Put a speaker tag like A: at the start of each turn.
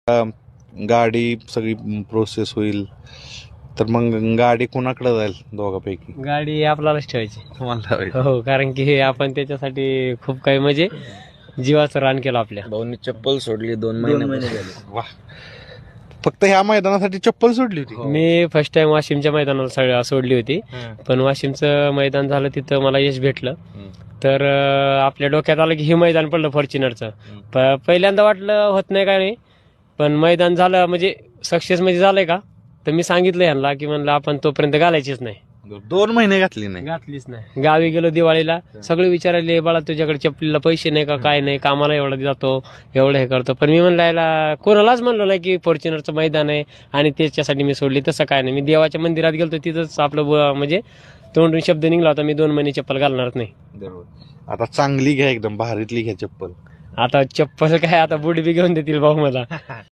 A: गाडी सगळी प्रोसेस होईल तर मग गाडी कोणाकडे जाईल दोघांपैकी?
B: गाडी आपल्यालाच ठेवायची.
A: तुम्हाला
B: हो, कारण की हे आपण त्याच्यासाठी खूप काही म्हणजे जीवाचं रान केलं आपल्या.
C: भाऊनी चप्पल सोडली 2 महिने झाले.
A: वा, फक्त ह्या मैदानासाठी चप्पल सोडली होती?
B: मी फर्स्ट टाइम वाशिमच्या मैदानाला सोडली होती, पण वाशिमचं मैदान झालं तिथं मला यश भेटलं. तर आपल्या डोक्यात आलं की हे मैदान पडलं फॉर्च्युनरचं. पहिल्यांदा वाटलं होत नाही काय नाही, पण मैदान झालं म्हणजे सक्सेस म्हणजे झालंय का, तर मी सांगितलं यांना की म्हणलं आपण तोपर्यंत घालायचीच नाही.
A: 2 महिने घातली नाही?
B: घातलीच नाही. गावी गेलो दिवाळीला, सगळे विचारायले बाळा तुझ्याकडे चपलीला पैसे नाही का, काय नाही, कामाला एवढं जातो, एवढं हे करतो. पण मी म्हणलं याला कोणालाच म्हणलो नाही की फॉर्च्युनरचं मैदान आहे आणि त्याच्यासाठी मी सोडली. तसं काय नाही. मी देवाच्या मंदिरात गेलो तिथंच आपलं म्हणजे तोंडून शब्द निघला होता, मी 2 महिने चप्पल घालणार नाही.
A: बरोबर. आता चांगली घ्या, एकदम भारीतली घ्या चप्पल.
B: आता चप्पल काय, आता बुट बी घेऊन देतील भाऊ मला.